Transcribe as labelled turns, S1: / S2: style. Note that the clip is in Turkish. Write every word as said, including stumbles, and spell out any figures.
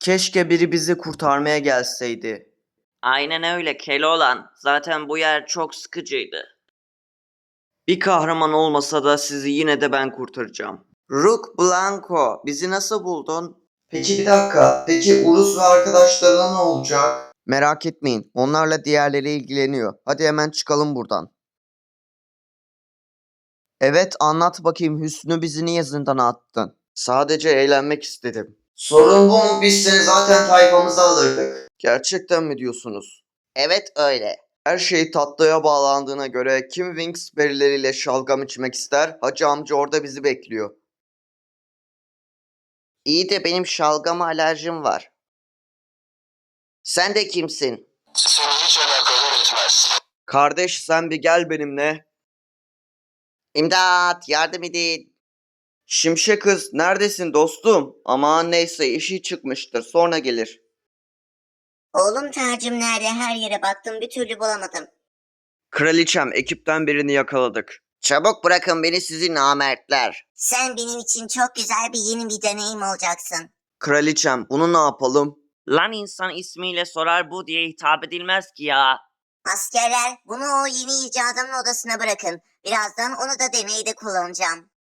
S1: Keşke biri bizi kurtarmaya gelseydi.
S2: Aynen öyle Keloğlan. Zaten bu yer çok sıkıcıydı.
S1: Bir kahraman olmasa da sizi yine de ben kurtaracağım. Rook Blanco, bizi nasıl buldun? Peki bir dakika, peki Urus ve arkadaşlarına ne olacak? Merak etmeyin, onlarla diğerleri ilgileniyor. Hadi hemen çıkalım buradan. Evet, anlat bakayım Hüsnü, bizi niye zindana attın? Sadece eğlenmek istedim. Sorun bu mu? Biz seni zaten tayfamıza alırdık. Gerçekten mi diyorsunuz?
S2: Evet öyle.
S1: Her şey tatlıya bağlandığına göre kim Wings berileriyle şalgam içmek ister? Hacı amca orada bizi bekliyor.
S2: İyi de benim şalgama alerjim var. Sen de kimsin?
S3: Seni hiç alakadar etmez.
S1: Kardeş sen bir gel benimle.
S2: İmdat, yardım edin.
S1: Şimşek kız neredesin dostum? Aman neyse işi çıkmıştır sonra gelir.
S4: Oğlum tacım nerede? Her yere baktım bir türlü bulamadım.
S1: Kraliçem ekipten birini yakaladık.
S2: Çabuk bırakın beni sizi namertler.
S4: Sen benim için çok güzel bir yeni bir deneyim olacaksın.
S1: Kraliçem bunu ne yapalım?
S2: Lan insan ismiyle sorar bu diye hitap edilmez ki ya.
S4: Askerler bunu o yeni icadımın odasına bırakın. Birazdan onu da deneyde kullanacağım.